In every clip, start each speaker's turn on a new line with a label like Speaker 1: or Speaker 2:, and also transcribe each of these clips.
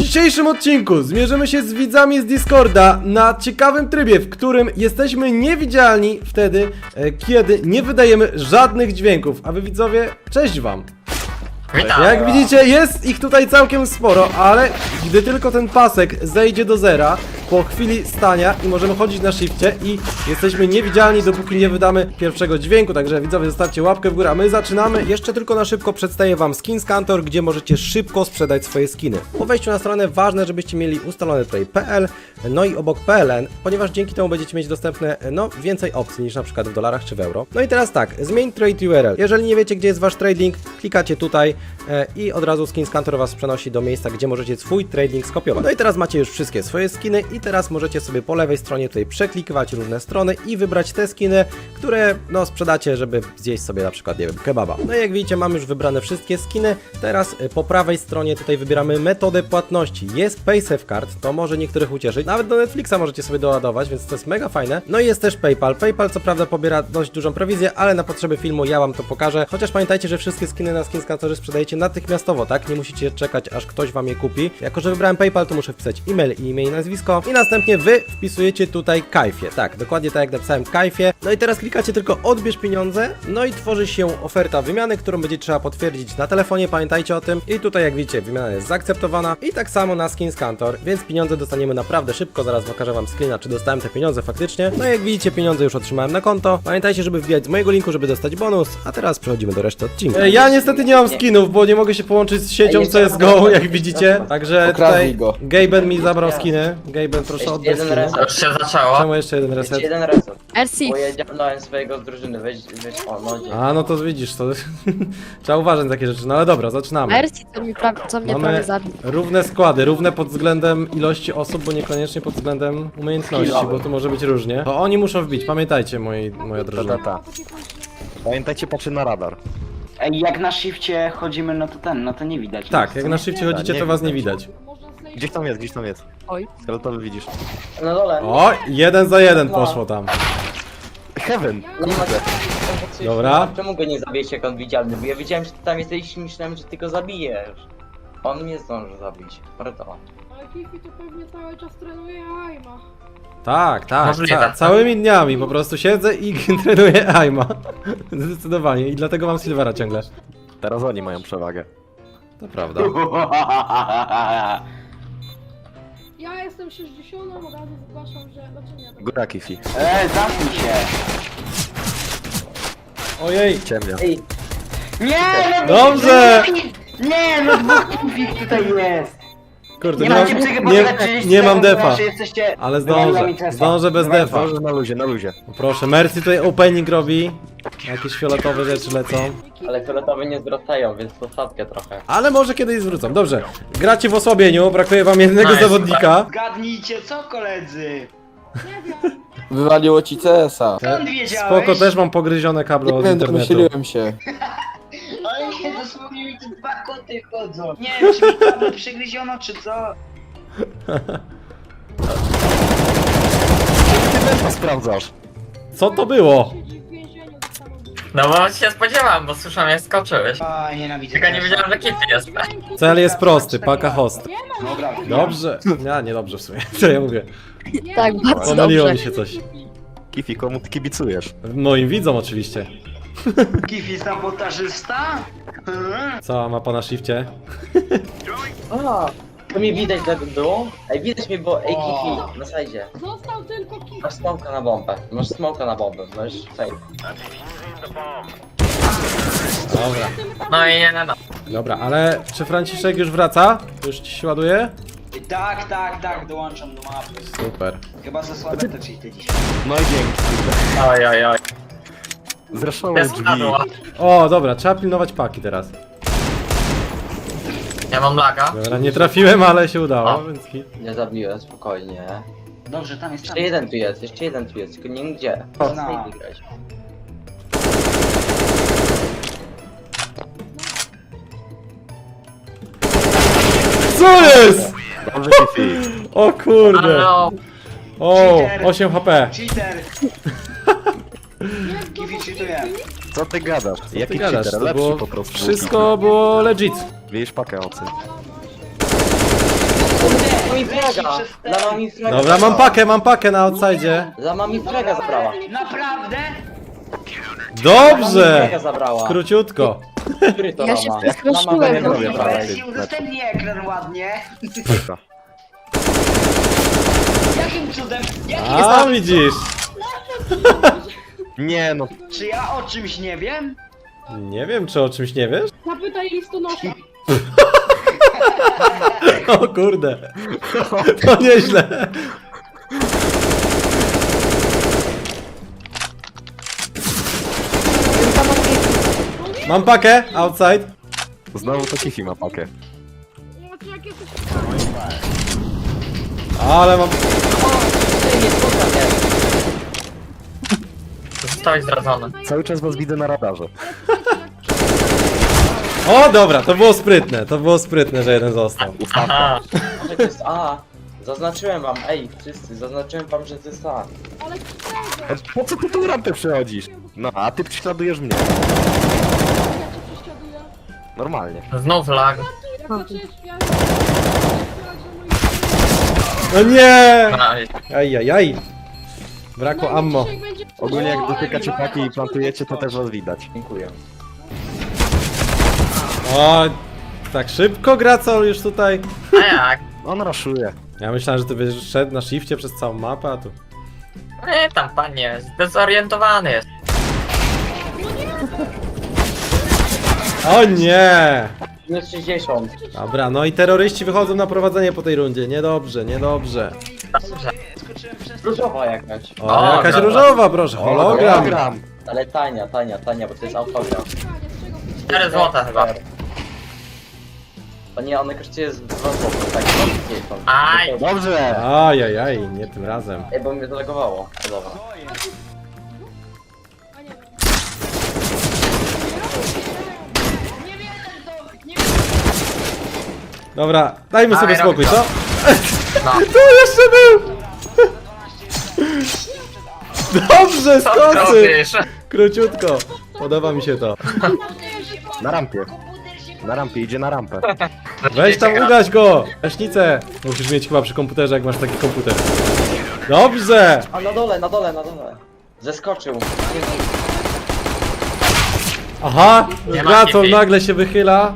Speaker 1: dzisiejszym odcinku zmierzymy się z widzami z Discorda na ciekawym trybie, w którym jesteśmy niewidzialni wtedy, kiedy nie wydajemy żadnych dźwięków. A wy widzowie, cześć wam!
Speaker 2: Witam.
Speaker 1: Jak widzicie, jest ich tutaj całkiem sporo, ale gdy tylko ten pasek zejdzie do zera po chwili stania i możemy chodzić na shifcie i jesteśmy niewidzialni, dopóki nie wydamy pierwszego dźwięku. Także widzowie, zostawcie łapkę w górę, a my zaczynamy. Jeszcze tylko na szybko przedstawię wam SkinsCantor, gdzie możecie szybko sprzedać swoje skiny. Po wejściu na stronę ważne, żebyście mieli ustalone tutaj PL, no i obok PLN, ponieważ dzięki temu będziecie mieć dostępne, więcej opcji niż na przykład w dolarach czy w euro. No i teraz tak, zmień trade URL. Jeżeli nie wiecie, gdzie jest wasz trading, klikacie tutaj i od razu SkinsCantor was przenosi do miejsca, gdzie możecie swój trading skopiować. No i teraz macie już wszystkie swoje skiny i teraz możecie sobie po lewej stronie tutaj przeklikiwać różne strony i wybrać te skiny, które sprzedacie, żeby zjeść sobie na przykład, nie wiem, kebaba. No i jak widzicie, mam już wybrane wszystkie skiny. Teraz po prawej stronie tutaj wybieramy metodę płatności. Jest PaySafeCard, to może niektórych ucieszyć. Nawet do Netflixa możecie sobie doładować, więc to jest mega fajne. No i jest też PayPal. PayPal co prawda pobiera dość dużą prowizję, ale na potrzeby filmu ja wam to pokażę. Chociaż pamiętajcie, że wszystkie skiny na SkinsCantorze sprzedajecie natychmiastowo, tak? Nie musicie czekać, aż ktoś wam je kupi. Jako że wybrałem PayPal, to muszę wpisać e-mail i nazwisko. I następnie wy wpisujecie tutaj Kajfie. Tak, dokładnie tak jak napisałem, Kajfie. No i teraz klikacie tylko odbierz pieniądze. No i tworzy się oferta wymiany, którą będzie trzeba potwierdzić na telefonie. Pamiętajcie o tym. I tutaj jak widzicie, wymiana jest zaakceptowana. I tak samo na SkinsCantor, więc pieniądze dostaniemy naprawdę szybko. Zaraz pokażę wam screena, czy dostałem te pieniądze faktycznie. No i jak widzicie, pieniądze już otrzymałem na konto. Pamiętajcie, żeby wbijać z mojego linku, żeby dostać bonus. A teraz przechodzimy do reszty odcinka. Ja niestety nie mam skinów, bo nie mogę się połączyć z siecią CSGO, jak widzicie. Także tutaj Gaben mi zabrał skiny. Gaben, proszę oddać
Speaker 3: jeden
Speaker 1: skiny.
Speaker 3: reset.
Speaker 2: Już się zaczęło.
Speaker 1: Czemu jeszcze jeden
Speaker 3: Jeszcze
Speaker 1: reset?
Speaker 3: jeden reset.
Speaker 4: RC.
Speaker 3: Bo ja dziabnąłem swojego z drużyny, weź, o no nie.
Speaker 1: A, no to widzisz, to trzeba uważać na takie rzeczy. No ale dobra, zaczynamy.
Speaker 4: RC co mnie prawie
Speaker 1: Mamy
Speaker 4: zabił.
Speaker 1: równe składy, równe pod względem ilości osób, bo niekoniecznie pod względem umiejętności, bo tu może być różnie. To oni muszą wbić, pamiętajcie moja drużyna.
Speaker 5: Pamiętajcie, patrzy na radar.
Speaker 6: Ej, jak na shifcie chodzimy, no to nie widać.
Speaker 1: Tak, jak na szybcie chodzicie, to was nie widać.
Speaker 5: Gdzieś tam jest.
Speaker 4: Oj.
Speaker 5: Skeletowy widzisz.
Speaker 3: Na dole.
Speaker 1: O, 1 za 1 poszło tam.
Speaker 5: Heaven!
Speaker 3: Nie ma
Speaker 1: Dobra.
Speaker 3: Czemu go nie zabijecie jak on widzialny? Bo ja wiedziałem, że ty tam jesteś i myślałem, że ty go zabijesz. On mnie zdąży zabić. Pardon.
Speaker 7: Ale Kifi to pewnie cały czas trenuje Aima.
Speaker 1: Tak,
Speaker 2: Możliwe.
Speaker 1: całymi dniami po prostu siedzę i trenuję aima. Zdecydowanie i dlatego mam Silvera ciągle.
Speaker 5: Teraz oni mają przewagę.
Speaker 1: To prawda.
Speaker 7: Ja jestem 60, od razu zgłaszam, że... Znaczy nie, to...
Speaker 5: Góra Kifi.
Speaker 6: Zamknij się.
Speaker 1: Ojej,
Speaker 5: Ciemnia.
Speaker 6: Ej. Nie, no
Speaker 1: dobrze!
Speaker 6: Nie, no dwóch kifich tutaj jest.
Speaker 1: Kurde,
Speaker 6: Nie macie psychy
Speaker 1: nie mam defa.
Speaker 6: Jesteście...
Speaker 1: Ale
Speaker 6: Wygrali mi
Speaker 1: zdążę bez defa.
Speaker 5: Zdąży na luzie.
Speaker 1: Proszę, Mercy tutaj opening robi. Jakieś fioletowe rzeczy lecą.
Speaker 3: Ale fioletowe nie zwracają, więc to sadkę trochę.
Speaker 1: Ale może kiedyś zwrócą. Dobrze, gracie w osłabieniu, brakuje wam jednego
Speaker 2: Nice.
Speaker 1: zawodnika.
Speaker 6: Zgadnijcie co, koledzy?
Speaker 8: Wywaliło ci CS-a.
Speaker 6: Skąd wiedziałeś?
Speaker 1: Spoko, też mam pogryzione kable od
Speaker 8: Nie wiem,
Speaker 1: internetu.
Speaker 8: domyśliłem się.
Speaker 6: Ale nie, dosłownie mi tu dwa koty chodzą. Nie wiem, czy mi kable przygryziono, czy co?
Speaker 5: Ty sprawdzasz.
Speaker 1: Co to było?
Speaker 7: Siedzi w więzieniu za samobójstwo.
Speaker 2: No bo się spodziewałem, bo słyszałem jak skoczyłeś.
Speaker 6: A, nienawidzę.
Speaker 2: Tylko nie wiedziałem, że Kitty jest.
Speaker 1: Cel jest prosty, paka host.
Speaker 6: Dobra,
Speaker 1: Dobrze. Ja nie dobrze w sumie. Co ja mówię?
Speaker 4: Tak, bardzo
Speaker 1: Pomyliło
Speaker 4: dobrze.
Speaker 1: mi się coś.
Speaker 5: Kifi, komu ty kibicujesz?
Speaker 1: Moim widzom oczywiście.
Speaker 6: Kifi sabotażysta?
Speaker 1: Cała mapa na shifcie.
Speaker 3: A, to mnie widać tak w dół? Ej, widać mnie, bo ej Kifi, na sajdzie.
Speaker 7: Został tylko Kifi.
Speaker 3: Masz smoka na bombę, możesz safe.
Speaker 1: Dobra.
Speaker 2: No i nie.
Speaker 1: Dobra, ale czy Franciszek już wraca? Już ci się ładuje?
Speaker 6: Tak, dołączam do mapy.
Speaker 1: Super.
Speaker 6: Chyba za słabe te cheaty dzisiaj.
Speaker 5: No i dzięki.
Speaker 2: Oj.
Speaker 5: Zraszały
Speaker 2: Jest
Speaker 5: drzwi.
Speaker 2: padła.
Speaker 1: O, dobra, trzeba pilnować paki teraz.
Speaker 2: Ja mam laga.
Speaker 1: Dobra, nie trafiłem, ale się udało,
Speaker 2: O.
Speaker 1: więc hit.
Speaker 3: Nie zabiłem, spokojnie.
Speaker 6: Dobrze, tam jest.
Speaker 3: Jeszcze jeden tu jest, tylko nie wiem gdzie.
Speaker 6: No.
Speaker 3: Snake grać.
Speaker 1: Co jest?
Speaker 5: Dobrze, Kifi.
Speaker 1: O kurde.
Speaker 2: Halo.
Speaker 1: O, 8 HP.
Speaker 6: Cheater! Kifi cheatuje.
Speaker 5: Co ty gadasz?
Speaker 1: Ty
Speaker 5: Jaki
Speaker 1: gadasz,
Speaker 5: cheater?
Speaker 1: to
Speaker 5: Lepszy
Speaker 1: było,
Speaker 5: po prostu.
Speaker 1: wszystko było legit.
Speaker 5: Wiesz pakę ocy.
Speaker 3: fraga! Lama mi fraga
Speaker 1: Dobra, mam pakę na outside.
Speaker 3: Lama mi fraga zabrała.
Speaker 6: Naprawdę?
Speaker 3: Lama mi
Speaker 1: Dobrze!
Speaker 3: fraga zabrała.
Speaker 1: Króciutko.
Speaker 3: Który to
Speaker 4: Ja się
Speaker 3: lama?
Speaker 4: przestraszyłem.
Speaker 3: Lama
Speaker 5: robię,
Speaker 3: mi
Speaker 5: prawda?
Speaker 3: fraga.
Speaker 6: Wersji udostępnij ekran ładnie. Jakim cudem?
Speaker 1: A, widzisz.
Speaker 5: Nie no,
Speaker 6: Czy ja o czymś nie wiem?
Speaker 1: Nie wiem, czy o czymś nie wiesz?
Speaker 7: Zapytaj listonosza.
Speaker 1: O kurde. To nieźle. Mam pakę, outside.
Speaker 5: znowu to Kifi ma pakę.
Speaker 7: Znaczy jak jesteś...
Speaker 1: Ale mam...
Speaker 3: Ty, nie spotkam mnie.
Speaker 2: Zostałeś zdradzony.
Speaker 5: Cały czas was widzę na radarze.
Speaker 1: O, dobra, to było sprytne, że jeden został.
Speaker 2: Aha.
Speaker 3: Może to jest A. Zaznaczyłem wam, ej, wszyscy, zaznaczyłem wam, że to jest A.
Speaker 7: Ale czego?
Speaker 5: Po co ty tu rampę przechodzisz? No, a ty prześladujesz mnie.
Speaker 7: Ja cię prześladuję.
Speaker 5: Normalnie.
Speaker 2: Znów lag.
Speaker 7: Jak zaczęłeś... Ja...
Speaker 1: No nie!
Speaker 2: Aj.
Speaker 1: Ajajaj. Brakło ammo.
Speaker 5: Ogólnie jak dotykacie paki i plantujecie, to też was widać.
Speaker 3: Dziękuję.
Speaker 1: O, tak szybko Gracol już tutaj.
Speaker 2: A jak?
Speaker 5: On raszuje.
Speaker 1: Ja myślałem, że ty będziesz szedł na shifcie przez całą mapę, a tu...
Speaker 2: Nie, tam panie, zdezorientowany jest.
Speaker 1: O nie!
Speaker 3: Minus 60.
Speaker 1: Dobra, no i terroryści wychodzą na prowadzenie po tej rundzie. Niedobrze, niedobrze.
Speaker 2: Dobrze.
Speaker 3: Różowa jakaś.
Speaker 1: O, jakaś
Speaker 2: dobra.
Speaker 1: różowa, proszę, hologram.
Speaker 5: Hologram.
Speaker 3: Ale tania, bo to jest autograf.
Speaker 2: 4 złota chyba.
Speaker 3: O nie, one kosztuje z 2 zł, tak, 2,50.
Speaker 2: Aj.
Speaker 5: Dobrze.
Speaker 1: Ajajaj, nie tym razem.
Speaker 3: Ej, bo mnie zalegowało. O, dobra.
Speaker 6: Nie wierzę w to! Nie
Speaker 1: Dobra, dajmy sobie
Speaker 2: Dawaj,
Speaker 1: spokój,
Speaker 2: robię
Speaker 1: co?
Speaker 2: No.
Speaker 1: Tu jeszcze był! Dobrze,
Speaker 2: Co ty
Speaker 1: skocy!
Speaker 2: robisz?
Speaker 1: Króciutko. Podoba mi się to.
Speaker 5: Na rampie. Na rampie, idzie na rampę.
Speaker 1: Weź tam, ugaś go! Leśnicę! Musisz mieć chyba przy komputerze, jak masz taki komputer. Dobrze!
Speaker 3: A na dole, na dole, na dole. Zeskoczył.
Speaker 1: Aha!
Speaker 2: Nie ma
Speaker 1: Gracol
Speaker 2: kifi.
Speaker 1: nagle się wychyla.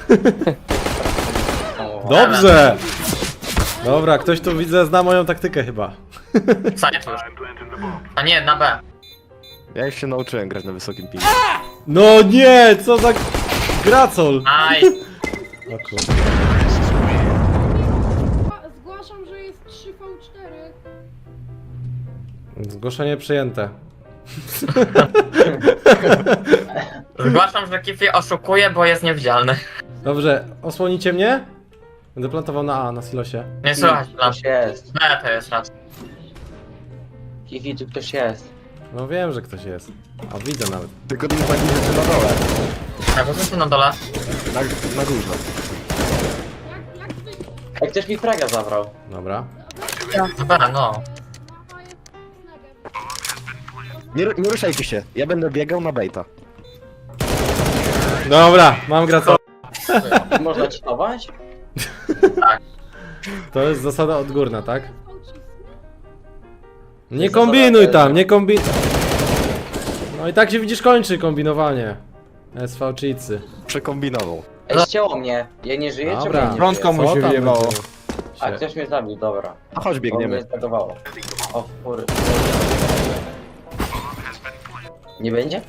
Speaker 3: O,
Speaker 1: Dobrze! Dobra, ktoś tu widzę zna moją taktykę chyba.
Speaker 2: Side już. A nie, na B.
Speaker 5: Ja już się nauczyłem grać na wysokim pingu.
Speaker 1: No nie, co za... Gracol!
Speaker 2: Aj.
Speaker 1: O kurde.
Speaker 7: Zgłaszam, że jest 3v4.
Speaker 1: Zgłoszenie przyjęte.
Speaker 2: Zgłaszam, że Kifi oszukuje, bo jest niewidzialny.
Speaker 1: Dobrze, osłonicie mnie? Będę plantował na A, na silosie.
Speaker 2: Nie słychać tam.
Speaker 3: Ktoś jest.
Speaker 2: B to jest raz.
Speaker 3: Kiwi, tu ktoś jest.
Speaker 1: No wiem, że ktoś jest. A widzę nawet.
Speaker 5: Tylko nie tak rzeczy na dole.
Speaker 2: Tak, bo co na dole?
Speaker 5: Na górze.
Speaker 7: Jak zwykle.
Speaker 3: Ej, ktoś mi fraga zabrał.
Speaker 1: Dobra.
Speaker 2: B, no.
Speaker 7: Mapa jest snagem.
Speaker 5: Nie ruszajcie się, ja będę biegał na baita.
Speaker 1: Dobra, mam Gracol.
Speaker 3: Można czytować?
Speaker 1: To jest zasada odgórna, tak? Nie
Speaker 3: jest
Speaker 1: kombinuj
Speaker 3: zasada-
Speaker 1: tam, nie kombinuj. No i tak się widzisz kończy kombinowanie. SV cheatsy.
Speaker 5: Przekombinował.
Speaker 3: Ej, ścięło mnie. Ja nie żyję, czy
Speaker 1: Dobra.
Speaker 3: mnie nie
Speaker 8: Prądko
Speaker 3: żyje?
Speaker 8: mu
Speaker 1: Co
Speaker 8: się
Speaker 1: tam
Speaker 8: wyjebało.
Speaker 1: będzie?
Speaker 3: A
Speaker 1: Się.
Speaker 3: ktoś mnie zabił, dobra.
Speaker 5: A chodź
Speaker 3: Bo mnie
Speaker 5: biegniemy.
Speaker 3: zbagowało. O kurde. Nie będzie?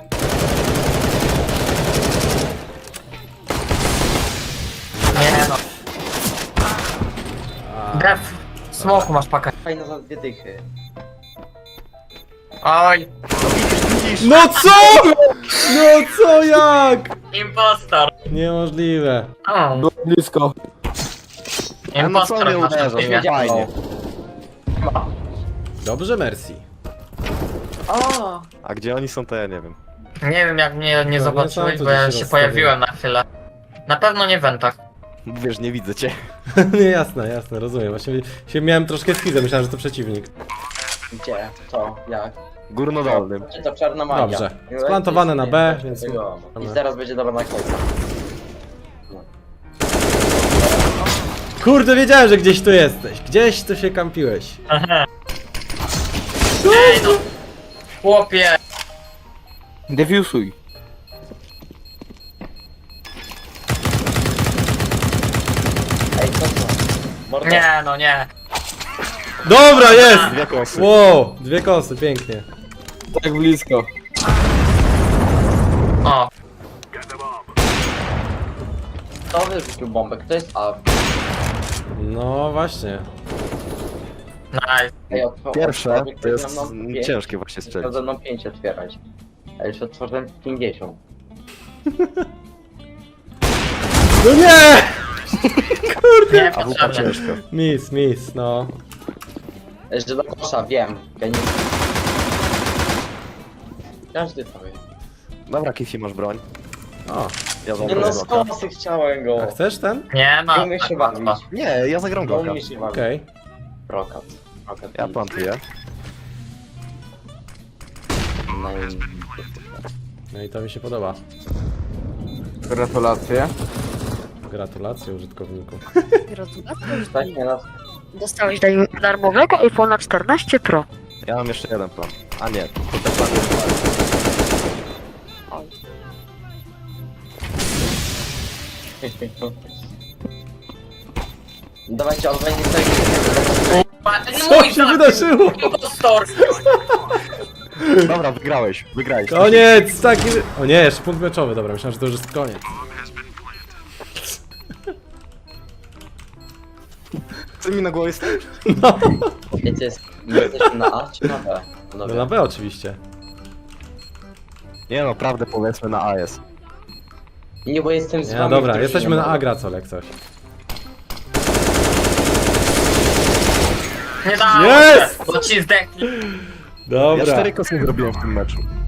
Speaker 2: Nie no. Def. W smoku masz pakę.
Speaker 3: Fajna za 2 dychy.
Speaker 2: Oj.
Speaker 1: No co? No co jak?
Speaker 2: Impostor.
Speaker 1: Niemożliwe.
Speaker 2: O,
Speaker 8: Było blisko.
Speaker 5: no co
Speaker 2: impostor
Speaker 5: nie
Speaker 2: w naszym
Speaker 5: uderzasz?
Speaker 2: teamie.
Speaker 5: Fajnie.
Speaker 1: Dobrze, merci.
Speaker 3: O!
Speaker 5: A gdzie oni są, to ja nie wiem.
Speaker 2: Nie wiem jak mnie nie
Speaker 1: No,
Speaker 2: zobaczyłeś,
Speaker 1: nie są
Speaker 2: bo
Speaker 1: tu
Speaker 2: ja
Speaker 1: gdzieś
Speaker 2: się
Speaker 1: rozstawione.
Speaker 2: pojawiłem na chwilę. Na pewno nie w wentach.
Speaker 5: Wiesz, nie widzę cię.
Speaker 1: Nie, jasne, jasne, rozumiem. Właśnie się miałem troszkę schizę, myślałem, że to przeciwnik.
Speaker 3: Gdzie? Co? Jak?
Speaker 5: Górnodolnym.
Speaker 3: Czy to czarna magia?
Speaker 1: Dobrze. Splantowane na B, więc-
Speaker 3: I zaraz będzie dobra naklejka.
Speaker 1: Kurde, wiedziałem, że gdzieś tu jesteś. Gdzieś tu się kampiłeś.
Speaker 2: Ej no! Chłopie!
Speaker 8: Defiusuj.
Speaker 3: Ej, co to? Mordo.
Speaker 2: Nie no, nie.
Speaker 1: Dobra, jest!
Speaker 5: Dwie kosy.
Speaker 1: Wow, dwie kosy, pięknie.
Speaker 8: Tak blisko.
Speaker 2: O,
Speaker 3: Kto wyrzucił bombę? Kto jest A?
Speaker 1: No właśnie.
Speaker 2: nice.
Speaker 3: Ej,
Speaker 5: Pierwsze to jest
Speaker 3: ze mną pięć.
Speaker 5: ciężkie właśnie
Speaker 3: Chciał
Speaker 5: strzelić.
Speaker 3: ze mną 5 otwierać. A już otworzyłem 50.
Speaker 1: No nie!
Speaker 2: Nie,
Speaker 5: A wupa
Speaker 2: potrzebne.
Speaker 5: ciężko.
Speaker 1: Miss, no.
Speaker 3: Że do kosza, wiem. Geniusz. Każdy to wie.
Speaker 5: Dobra, Kifi, masz broń.
Speaker 1: O,
Speaker 5: Ja
Speaker 3: Nie
Speaker 5: zagram
Speaker 3: no, z
Speaker 5: Glocka.
Speaker 3: kosy chciałem go.
Speaker 1: a chcesz ten?
Speaker 2: Nie
Speaker 3: Nie
Speaker 2: ma.
Speaker 3: umie się
Speaker 2: tak
Speaker 3: bawić.
Speaker 2: łatwo.
Speaker 5: Nie, ja zagram
Speaker 3: Nie
Speaker 5: Glocka.
Speaker 3: umie się bawić.
Speaker 1: Okej.
Speaker 3: Brokat. Brokat.
Speaker 5: Ja plantuję.
Speaker 3: No i...
Speaker 1: No i to mi się podoba.
Speaker 8: Gratulacje.
Speaker 1: Gratulacje użytkowniku.
Speaker 4: Gratulacje.
Speaker 3: Tak, nie no.
Speaker 4: Dostałeś darmowego iPhone'a 14 Pro.
Speaker 5: Ja mam jeszcze jeden plan. A nie, to ten plan jest dalej.
Speaker 3: Dawajcie, on będzie tak...
Speaker 1: Co się wydarzyło?
Speaker 2: Impostor!
Speaker 5: Dobra, wygrałeś.
Speaker 1: Koniec! Taki... O nie, jeszcze punkt meczowy, dobra, myślałem, że to już jest koniec.
Speaker 5: Ty mi na głowie stoisz?
Speaker 3: Wiecie, my jesteśmy na A czy na B?
Speaker 1: No na B oczywiście.
Speaker 5: Nie no, prawdę powiedzmy na A jest.
Speaker 3: Nie, bo jestem z
Speaker 1: Nie,
Speaker 3: wami.
Speaker 1: dobra,
Speaker 3: w drużynie,
Speaker 1: jesteśmy na
Speaker 3: mordo.
Speaker 1: A, Gracol, jak coś.
Speaker 2: Nie dało
Speaker 1: Jest!
Speaker 2: się, bo ci zdechli.
Speaker 5: Ja
Speaker 1: Dobra.
Speaker 5: 4 kosy zrobiłem w tym meczu.